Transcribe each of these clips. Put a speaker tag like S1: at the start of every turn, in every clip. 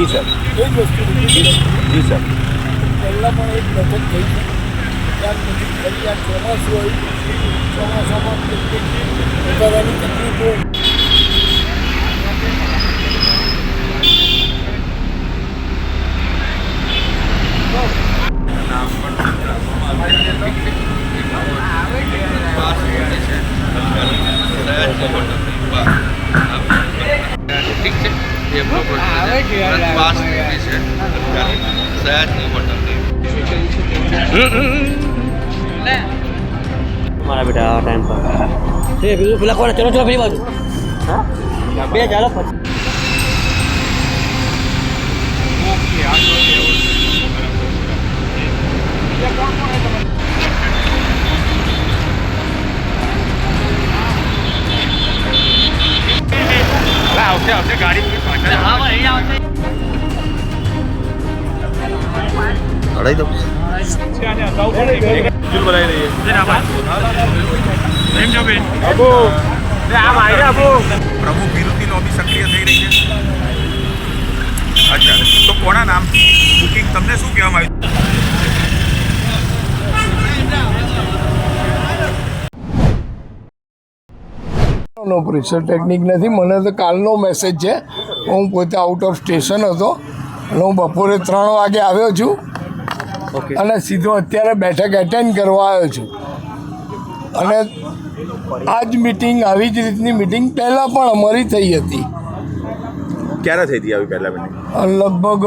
S1: જી sir,
S2: એ જ વસ્તુ
S1: જી sir.
S2: પહેલાં પણ એક બેઠક થઈ છે. ત્યાર પછી ફરી આ ચોમાસું આવ્યું. ચોમાસામાં કેટલીક વધારાની તકલીફો
S3: ઠીક છે, એ પ્રોપર પાસ છે સયાજની હોટલ
S4: મારા બેટા આ ટાઈમ પર એ બીજું પેલા કોણ ચલો ચલો પેલી બાજુ હા બે ચાલો પછી
S3: આવશે ગાડી
S1: ચડાવી દો.
S5: પ્રમુખ વિરુદ્ધની લોબી સક્રિય થઈ રહી છે. અચ્છા, તો કોના નામથી બુકિંગ તમને શું કહેવામાં આવ્યું?
S2: નો પ્રેશર ટેકનિક નથી. મને તો કાલનો મેસેજ છે. હું પોતે આઉટ ઓફ સ્ટેશન હતો અને હું બપોરે 3 વાગે આવ્યો છું અને સીધો અત્યારે બેઠક એટેન્ડ કરવા આવ્યો છું. અને આ જ મિટિંગ, આવી જ રીતની મિટિંગ પહેલાં પણ અમારી થઈ હતી.
S5: ક્યારે થઈ હતી આવી પહેલા મિટિંગ?
S2: લગભગ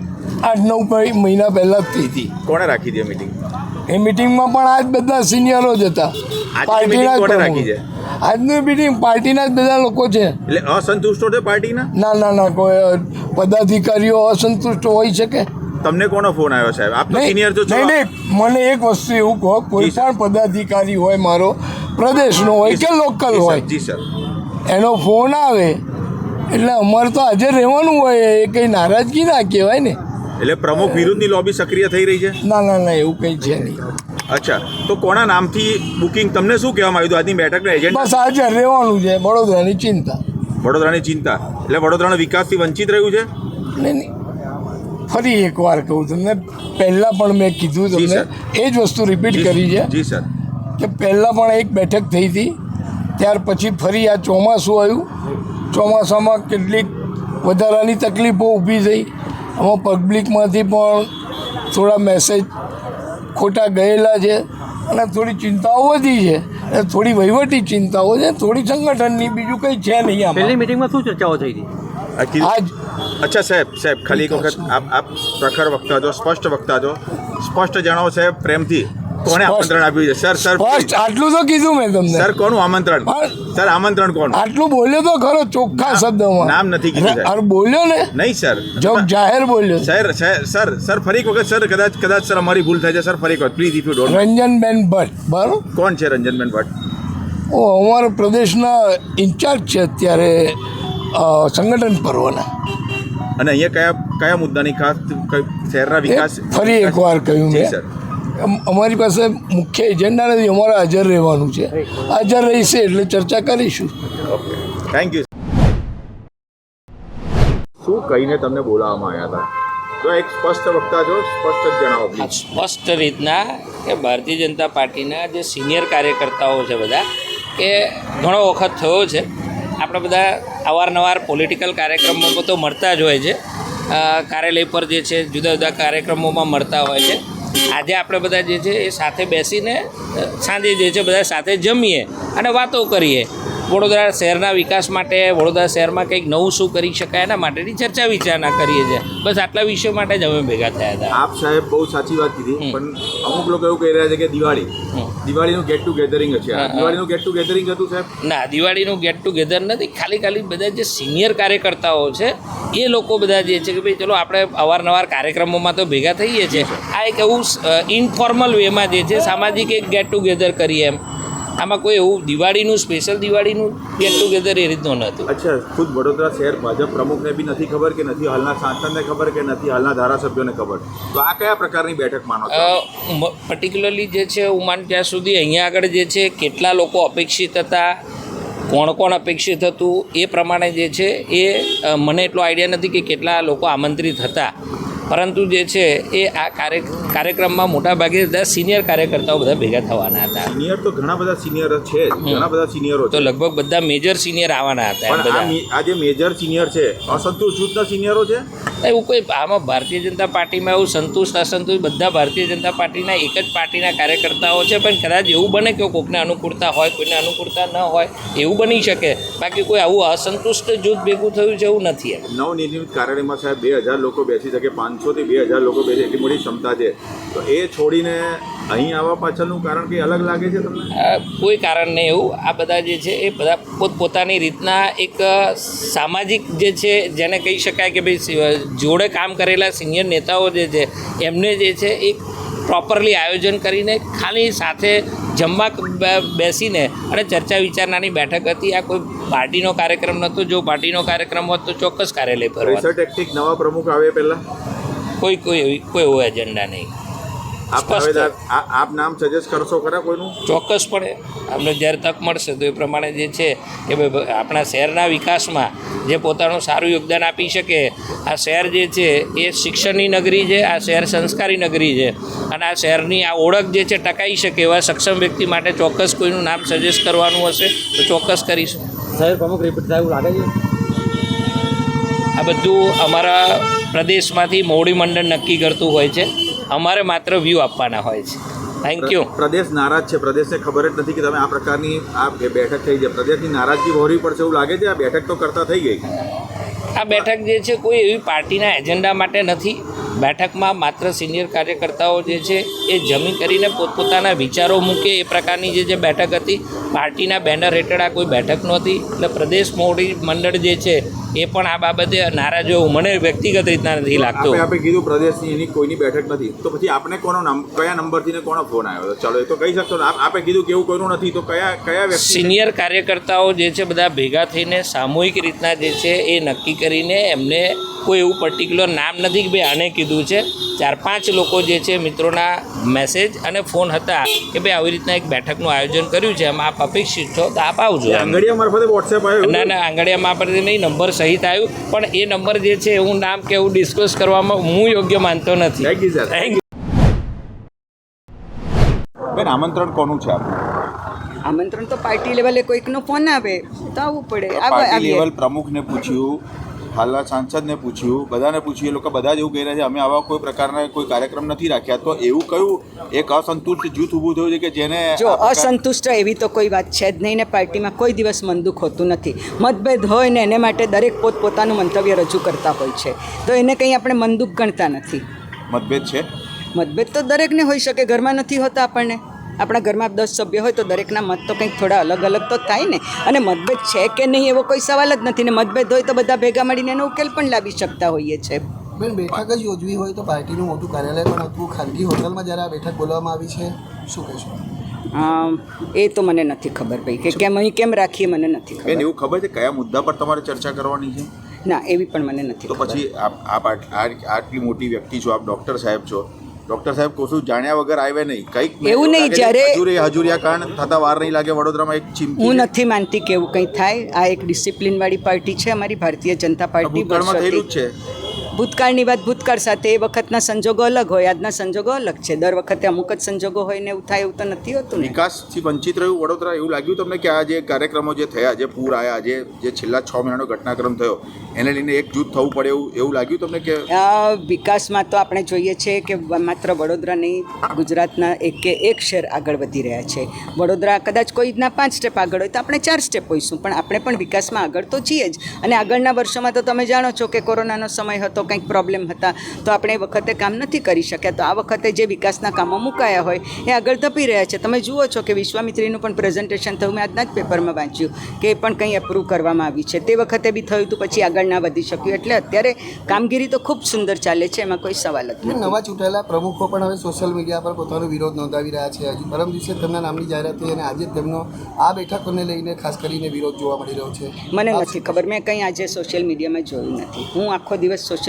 S2: 8-9 મહિના પહેલાં જ થઈ હતી.
S5: કોણે રાખી હતી મિટિંગ?
S2: એ મિટિંગમાં પણ આ જ બધા સિનિયરો જ હતા. પાર્ટીના
S5: કોણે રાખી છે?
S2: આજની મિટિંગ પાર્ટીના જ બધા લોકો છે.
S5: એટલે અસંતુષ્ટો છે પાર્ટીના?
S2: ના, કોઈ પદાધિકારીઓ અસંતુષ્ટ હોઈ શકે.
S5: તમને કોનો ફોન આવ્યો સાહેબ? આપ તો સિનિયર છો.
S2: નહીં, મને એક વસ્તુ એવું કહો, કોઈ પણ પદાધિકારી હોય, મારો પ્રદેશનો હોય કે લોકલ હોય,
S5: જી સર,
S2: એનો ફોન આવે એટલે અમારે તો હાજર રહેવાનું હોય. એ કંઈ નારાજગી ના કહેવાય ને.
S5: એટલે પ્રમુખ વિરુદ્ધની લોબી સક્રિય થઈ રહી છે?
S2: ના, એવું કંઈ છે નહીં.
S5: અચ્છા, તો કોના નામથી બુકિંગ? તમને શું કહેવામાં આવ્યું આજની બેઠકના એજન્ટ?
S2: બસ હાજર રહેવાનું છે. વડોદરાની ચિંતા.
S5: વડોદરાની ચિંતા એટલે વડોદરાના વિકાસથી વંચિત રહ્યું છે?
S2: નહીં, ફરી એકવાર કહું તમને, પહેલાં પણ મેં કીધું તમને, એ જ વસ્તુ રિપીટ કરી છે
S5: જી સર,
S2: કે પહેલાં પણ એક બેઠક થઈ હતી. ત્યાર પછી ફરી આ ચોમાસું આવ્યું. ચોમાસામાં કેટલીક વધારાની તકલીફો ઊભી થઈ. આમાં પબ્લિકમાંથી પણ થોડા મેસેજ ખોટા ગયેલા છે અને થોડી ચિંતાઓ વધી છે. અને થોડી વહીવટી ચિંતાઓ છે, થોડી સંગઠનની, બીજું કંઈ છે નહીં. આમાં
S4: પહેલી મિટિંગમાં શું ચર્ચાઓ થઈ હતી?
S2: આજ
S5: અચ્છા સાહેબ, ખાલી એક વખત આપ પ્રખર વક્તા છો, સ્પષ્ટ વક્તા છો, સ્પષ્ટ જણાવો સાહેબ પ્રેમથી, કોને આમંત્રણ આપ્યું છે? સર
S2: ફર્સ્ટ આટલું તો કીધું મેં તમને.
S5: સર કોનું આમંત્રણ? સર આમંત્રણ કોણ?
S2: આટલું બોલ્યો તો ખરો ચોખ્ખા શબ્દમાં.
S5: નામ નથી કીધું સાહેબ.
S2: અરે બોલ્યો ને,
S5: નહીં સર,
S2: જાહેર બોલ્યો.
S5: સર ફરી એક વખત સર, કદાચ સર અમારી ભૂલ થાય છે સર, ફરી એક વખત please, if you don't.
S2: Ranjanben Bhatt. બરાબર.
S5: કોણ છે રંજનબેન ભટ્ટ?
S2: અમારા પ્રદેશના ઇન્ચાર્જ છે અત્યારે સંગઠન પર્વના.
S5: અને અહીંયા કયા મુદ્દાની ખાસ શહેરના વિકાસ?
S2: ફરી એકવાર કહ્યું
S5: જી
S2: મેં,
S5: સર,
S2: અમારી પાસે મુખ્ય એજન્ડા નથી. અમારે હાજર રહેવાનું છે. હાજર રહીશે એટલે ચર્ચા કરીશું.
S5: Okay, thank you. શું કહીને તમને બોલાવવામાં આવ્યા હતા? જો એક સ્પષ્ટ વક્તા છો, સ્પષ્ટ જ જણાવો પ્લીઝ.
S6: સ્પષ્ટ રીતના કે ભારતીય જનતા પાર્ટીના જે સિનિયર કાર્યકર્તાઓ છે બધા, કે ઘણો વખત થયો છે, આપણે બધા અવારનવાર પોલિટિકલ કાર્યક્રમોમાં તો મળતા જ હોય છે, કાર્યાલય પર જે છે જુદા જુદા કાર્યક્રમોમાં મળતા હોય છે. આજે આપણે બધા જે છે એ સાથે બેસીને સાંજે જે છે બધા સાથે જમીએ અને વાતો કરીએ. વડોદરા શહેરના વિકાસ માટે, વડોદરા શહેરમાં કંઈક નવું શું કરી શકાય એના માટેની ચર્ચા વિચારણા કરીએ છીએ. બસ આટલા વિષયો માટે જ અમે ભેગા થયા હતા.
S5: આપ સાહેબ બહુ સાચી વાત કીધી, પણ અમુક લોકો એવું કહી રહ્યા છે કે દિવાળીનું ગેટ ટુ ગેધરિંગ છે. દિવાળીનું ગેટ ટુ ગેધરિંગ હતું સાહેબ?
S6: ના, દિવાળીનું ગેટ ટુગેધર નથી. ખાલી બધા જે સિનિયર કાર્યકર્તાઓ છે એ લોકો બધા જે છે કે ભાઈ ચલો આપણે અવારનવાર કાર્યક્રમોમાં તો ભેગા થઈએ છીએ, આ એક એવું ઇનફોર્મલ વેમાં જે છે સામાજિક એક ગેટ ટુગેધર કરીએ એમ. આમાં કોઈ એવું સ્પેશિયલ દિવાળીનું ગેટ ટુગેધર એ રીતનું નહોતું.
S5: અચ્છા, ખુદ વડોદરા શહેર ભાજપ પ્રમુખને બી નથી ખબર, કે નથી હાલના સાંસદને ખબર, કે નથી હાલના ધારાસભ્યોને ખબર? તો આ કયા પ્રકારની બેઠક માનો છો?
S6: પર્ટિક્યુલરલી જે છે હું માનું ત્યાં સુધી અહીંયા આગળ જે છે કેટલા લોકો અપેક્ષિત હતા, કોણ કોણ અપેક્ષિત હતું એ પ્રમાણે જે છે એ મને એટલો આઈડિયા નથી કે કેટલા લોકો આમંત્રિત હતા, પરંતુ જે છે એ આ કાર્યક્રમમાં મોટાભાગે બધા સિનિયર કાર્યકર્તાઓ બધા ભેગા થવાના હતા.
S5: સિનિયર તો ઘણા બધા સિનિયર છે જ, ઘણા બધા સિનિયરો
S6: તો
S5: છે,
S6: લગભગ બધા મેજર સિનિયર આવવાના હતા. એમ બધા
S5: પણ આ જે મેજર સિનિયર છે અસંતુષ્ટ જૂથના સિનિયરો છે.
S6: એવું કોઈ આમાં ભારતીય જનતા પાર્ટીમાં એવું સંતુષ્ટ અસંતુષ્ટ બધા ભારતીય જનતા પાર્ટીના એક જ પાર્ટીના કાર્યકર્તાઓ છે, પણ કદાચ એવું બને કે કોઈને અનુકૂળતા હોય, કોઈને અનુકૂળતા ન હોય, એવું બની શકે. બાકી કોઈ આવું અસંતુષ્ટ જૂથ ભેગું થયું છે એવું નથી.
S5: નવનિર્મિત કાર્યાલયમાં સાહેબ 2000 લોકો બેસી શકે, 500 થી 2000 લોકો બેસે એટલી મોટી ક્ષમતા છે, તો એ છોડીને અહીં આવવા પાછળનું કારણ કંઈ અલગ લાગે છે તમને?
S6: કોઈ કારણ નહીં એવું. આ બધા જે છે એ બધા પોતપોતાની રીતના એક સામાજિક જે છે જેને કહી શકાય કે ભાઈ જોડે કામ કરેલા સિનિયર નેતાઓ જે છે એમને જે છે એક પ્રોપરલી આયોજન કરીને ખાલી સાથે જમવા બેસીને અને ચર્ચા વિચારણાની બેઠક હતી. આ કોઈ પાર્ટીનો કાર્યક્રમ નહોતો. જો પાર્ટીનો કાર્યક્રમ હોત તો ચોક્કસ કાર્યાલય ફરવા.
S5: ટેક્ટિક નવા પ્રમુખ આવે પહેલા
S6: કોઈ એવો એજન્ડા નહીં.
S5: આપ નામ સજેસ્ટ કરશો ખરા કોઈનું?
S6: ચોક્કસપણે અમને જ્યારે તક મળશે તો એ પ્રમાણે જે છે કે ભાઈ આપણા શહેરના વિકાસમાં જે પોતાનું સારું યોગદાન આપી શકે. આ શહેર જે છે એ શિક્ષણની નગરી છે, આ શહેર સંસ્કારી નગરી છે, અને આ શહેરની આ ઓળખ જે છે ટકાઈ શકે એવા સક્ષમ વ્યક્તિ માટે ચોક્કસ કોઈનું નામ સજેસ્ટ કરવાનું હશે તો ચોક્કસ કરીશું.
S4: શહેર પ્રમુખ રિપીટ થાય એવું લાગે છે?
S6: આ બધું અમારા પ્રદેશમાંથી મોવડી મંડળ નક્કી કરતું હોય છે. અમારે માત્ર વ્યૂ આપવાના હોય છે. Thank you.
S5: પ્રદેશ નારાજ છે, પ્રદેશને ખબર જ નથી કે તમે આ પ્રકારની આ બેઠક થઈ છે. પ્રદેશની નારાજગી વહોરવી પડશે એવું લાગે છે. આ બેઠક તો કરતા થઈ ગઈ.
S6: આ બેઠક જે છે કોઈ એવી પાર્ટીના એજન્ડા માટે નથી. બેઠકમાં માત્ર સિનિયર કાર્યકર્તાઓ જે છે એ જમી કરીને પોતપોતાના વિચારો મૂકે એ પ્રકારની જે બેઠક હતી. પાર્ટીના બેનર હેઠળ આ કોઈ બેઠક નહોતી. એટલે પ્રદેશ મોવડી મંડળ જે છે એ પણ આ બાબતે નારાજ હોવું મને વ્યક્તિગત રીતના નથી લાગતું.
S5: આપણે કીધું પ્રદેશની એની કોઈની બેઠક નથી, તો પછી આપણે કયા નંબરથી ને કોનો ફોન આવ્યો? ચાલો એ તો કહી શકશો ને. આપણે કીધું કે એવું કોઈનું નથી, તો કયા વ્યક્તિ?
S6: સિનિયર કાર્યકર્તાઓ જે છે બધા ભેગા થઈને સામૂહિક રીતના જે છે એ નક્કી કરીને એમને કોઈ એવું પર્ટિક્યુલર નામ નથી કે ભાઈ આને કીધું છે. 4-5 લોકો જે છે મિત્રોના મેસેજ અને ફોન હતા કે ભાઈ આવી રીતના એક બેઠકનું આયોજન કર્યું છે, એમાં આપ અપેક્ષિત છો તો આપ આવજો.
S5: આંગળીયા મારફતે વોટ્સએપ આવ્યું?
S6: ના, આંગળીયા મારફતે નહીં, નંબર સહિત આવ્યું. પણ એ નંબર જે છે એવું નામ કે એવું ડિસ્કસ કરવામાં હું યોગ્ય માનતો નથી.
S5: Thank you sir.
S6: Thank you.
S5: બેન, આમંત્રણ કોનું છે આપનું?
S7: આમંત્રણ તો પાર્ટી લેવલે કોઈકનો ફોન આવે તો આવવું પડે.
S5: પાર્ટી લેવલ પ્રમુખને પૂછ્યું, હાલના સાંસદને પૂછ્યું, બધાને પૂછ્યું, એ લોકો બધા જ એવું કહી રહ્યા છે અમે આવા કોઈ પ્રકારના કોઈ કાર્યક્રમ નથી રાખ્યા. તો એવું કયું એક અસંતુષ્ટ જૂથ ઊભું થયું છે કે જેને
S7: જો અસંતુષ્ટ એવી તો કોઈ વાત છે જ નહીં ને. પાર્ટીમાં કોઈ દિવસ મનદુખ હોતું નથી. મતભેદ હોય ને એને માટે દરેક પોતપોતાનું મંતવ્ય રજૂ કરતા હોય છે, તો એને કંઈ આપણે મનદુખ ગણતા નથી.
S5: મતભેદ છે?
S7: મતભેદ તો દરેકને હોઈ શકે. ઘરમાં નથી હોતા આપણને. આપણા ઘરમાં 10 સભ્ય હોય તો દરેકના મત તો કંઈક થોડા અલગ અલગ તો થાય ને. અને મતભેદ છે કે નહીં એવો કોઈ સવાલ જ નથી ને. મતભેદ હોય તો બધા ભેગા મળીને એનો ઉકેલ પણ લાવી શકતા હોઈએ છીએ.
S8: બેન, બેઠક જ યોજવી હોય તો પાર્ટીનું મોટું કાર્યાલય પણ હતું. ખાનગી હોટલમાં જ્યારે આ બેઠક બોલાવવામાં આવી છે, શું કહેશો?
S7: એ તો મને નથી ખબર ભાઈ કે કેમ અહીં કેમ રાખીએ, મને નથી ખબર.
S5: બેન, એવું ખબર છે કયા મુદ્દા પર તમારે ચર્ચા કરવાની છે?
S7: ના, એવી પણ મને નથી
S5: તો
S7: ખબર.
S5: પછી આપ આટલી મોટી વ્યક્તિ છો, આપ ડૉક્ટર સાહેબ છો. ડૉક્ટર સાહેબ કશું જાણ્યા વગર આવ્યા નહીં? કંઈક
S7: એવું નહીં. જ્યારે
S5: હજુરિયા કાંડ થતા વાર નહીં લાગે વડોદરામાં એક ચીમકી?
S7: હું નથી માનતી કે એવું કંઈ થાય. આ એક ડિસિપ્લિનવાળી પાર્ટી છે અમારી ભારતીય જનતા પાર્ટી.
S5: ભૂતકાળમાં થયેલું જ છે.
S7: ભૂતકાળની વાત ભૂતકાળ સાથે. એ વખતના સંજોગો અલગ હોય, આજના સંજોગો અલગ છે. દર વખતે અમુક જ સંજોગો હોય ને એવું થાય એવું તો નથી હોતું ને.
S5: વિકાસથી વંચિત રહ્યું વડોદરા એવું લાગ્યું તમને કે આ જે કાર્યક્રમો જે થયા, જે પૂર આવ્યા, જે છેલ્લા 6 મહિનાનો ઘટનાક્રમ થયો એને લઈને એકજૂથ થવું પડે એવું લાગ્યું તમને કે?
S7: વિકાસમાં તો આપણે જોઈએ છે કે માત્ર વડોદરા નહીં, ગુજરાતના એક શહેર આગળ વધી રહ્યા છે. વડોદરા કદાચ કોઈના 5 સ્ટેપ આગળ હોય તો આપણે 4 સ્ટેપ હોઈશું, પણ આપણે પણ વિકાસમાં આગળ તો છીએ જ. અને આગળના વર્ષોમાં તો તમે જાણો છો કે કોરોનાનો સમય હતો, કંઈક પ્રોબ્લેમ હતા, તો આપણે એ વખતે કામ નથી કરી શક્યા. તો આ વખતે જે વિકાસના કામો મુકાયા હોય એ આગળ ધપી રહ્યા છે. તમે જુઓ છો કે વિશ્વામિત્રીનું પણ પ્રેઝન્ટેશન થયું. મેં આજના જ પેપરમાં વાંચ્યું કે એ પણ કંઈ એપ્રૂવ કરવામાં આવી છે. તે વખતે બી થયું હતું, પછી આગળ ના વધી શક્યું. એટલે અત્યારે કામગીરી તો ખૂબ સુંદર ચાલે છે, એમાં કોઈ સવાલ જ નથી.
S8: નવા ચૂંટાયેલા પ્રમુખો પણ હવે સોશિયલ મીડિયા પર પોતાનો વિરોધ નોંધાવી રહ્યા છે. હજુ પરમ દિવસે તેમના નામની જાહેરાત થઈ અને આજે તેમનો આ બેઠકોને લઈને ખાસ કરીને વિરોધ જોવા મળી રહ્યો છે.
S7: મને નથી ખબર. મેં કંઈ આજે સોશિયલ મીડિયામાં જોયું નથી. હું આખો દિવસ સોશિયલ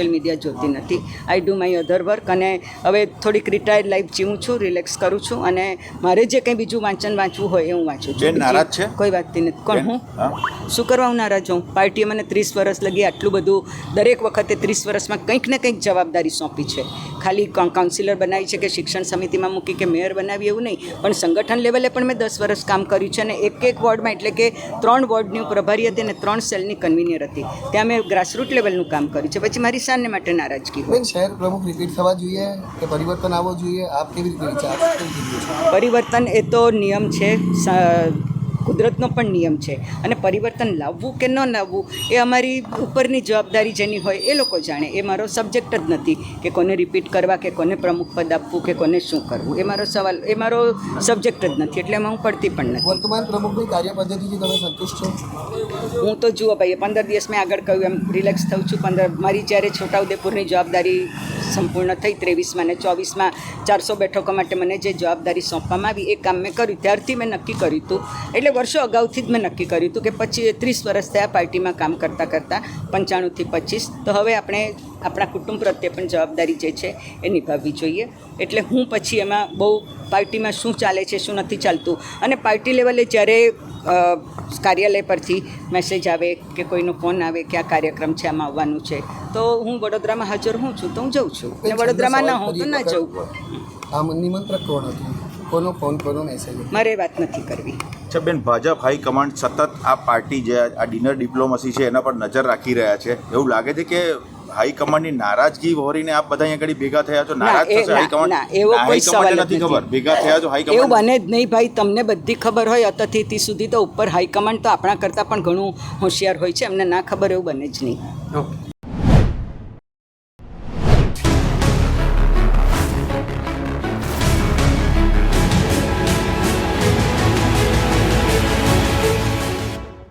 S7: સોશિયલ મીડિયા જોતી નથી. I do my other work અને હવે થોડીક રિટાયર્ડ લાઈફ જીવું છું, રિલેક્સ કરું છું અને મારે જે કંઈ બીજું વાંચવું હોય એ હું વાંચું છું.
S5: બેન નારાજ છે?
S7: કોઈ વાત નથી. કોણ
S5: બેન,
S7: હું?
S5: હા?
S7: શું કરવા હું નારાજ હોઉં? પાર્ટીએ મને 30 વર્ષ લગી આટલું બધું દરેક વખતે 30 વર્ષમાં કંઈક ને કંઈક જવાબદારી સોંપી છે. ખાલી કાઉન્સિલર બનાવી છે કે શિક્ષણ સમિતિમાં મૂકી કે મેયર બનાવી એવું નહીં, પણ સંગઠન લેવલે પણ મેં 10 વર્ષ કામ કર્યું છે અને એક વોર્ડમાં એટલે કે 3 વોર્ડની હું પ્રભારી હતી અને 3 સેલની કન્વીનર હતી. ત્યાં મેં ગ્રાસરૂટ લેવલનું કામ કર્યું છે. પછી મારી શાનને માટે નારાજગી હોય.
S8: બેન, શહેર પ્રમુખ રિપીટ થવા જોઈએ કે પરિવર્તન આવવો જોઈએ? આપ કેવી રીતે વિચાર?
S7: પરિવર્તન એ તો નિયમ છે, કુદરતનો પણ નિયમ છે અને પરિવર્તન લાવવું કે ન લાવવું એ અમારી ઉપરની જવાબદારી જેની હોય એ લોકો જાણે. એ મારો સબ્જેક્ટ જ નથી કે કોને રિપીટ કરવા કે કોને પ્રમુખ પદ આપવું કે કોને શું કરવું. એ મારો સવાલ, એ મારો સબ્જેક્ટ જ નથી, એટલે એમાં હું પડતી પણ નથી.
S8: વર્તમાન પ્રમુખની કાર્ય પદ્ધતિથી તમે સંતુષ્ટ છો?
S7: હું તો જુઓ ભાઈ, 15 દિવસ મેં આગળ કહ્યું એમ રિલેક્સ થઉં છું. મારી જ્યારે છોટાઉદેપુરની જવાબદારી સંપૂર્ણ થઈ 23માં ને 24માં 400 બેઠકો માટે મને જે જવાબદારી સોંપવામાં આવી એ કામ મેં કર્યું. ત્યારથી મેં નક્કી કર્યું હતું, એટલે વર્ષો અગાઉથી જ મેં નક્કી કર્યું હતું કે 30 વર્ષ થયા પાર્ટીમાં કામ કરતાં 95 થી 25, તો હવે આપણે આપણા કુટુંબ પ્રત્યે પણ જવાબદારી જે છે એ નિભાવવી જોઈએ. એટલે હું પછી એમાં બહુ પાર્ટીમાં શું ચાલે છે શું નથી ચાલતું, અને પાર્ટી લેવલે જ્યારે કાર્યાલય પરથી મેસેજ આવે કે કોઈનો ફોન આવે કે આ કાર્યક્રમ છે આમાં આવવાનું છે, તો હું વડોદરામાં હાજર હું છું તો હું જઉં છું, અને વડોદરામાં ના હોઉં તો ના જઉં.
S8: આમ નિમંત્રક કોણ હતું? કોનો ફોન, કોનો મેસેજ?
S7: મારે વાત નથી કરવી.
S5: અચ્છા બેન, ભાજપ હાઈકમાન્ડ સતત આ પાર્ટી જે આ ડિનર ડિપ્લોમસી છે એના પર નજર રાખી રહ્યા છે. એવું લાગે છે કે હાઈકમાન્ડની નારાજગી વહોરીને આપ બધા અહીંયા આગળ ભેગા થયા છો? નારાજ થશે હાઈકમાન્ડ?
S7: એવો કોઈ સવાલ
S5: નથી ખબર ભેગા થયા છો
S7: એવું
S5: હાઈકમાન્ડ?
S7: બને જ નહીં ભાઈ. તમને બધી ખબર હોય અતિથિ સુધી, તો ઉપર હાઈકમાન્ડ તો આપણા કરતાં પણ ઘણું હોશિયાર હોય છે, એમને ના ખબર એવું બને જ નહીં.
S5: ઓકે.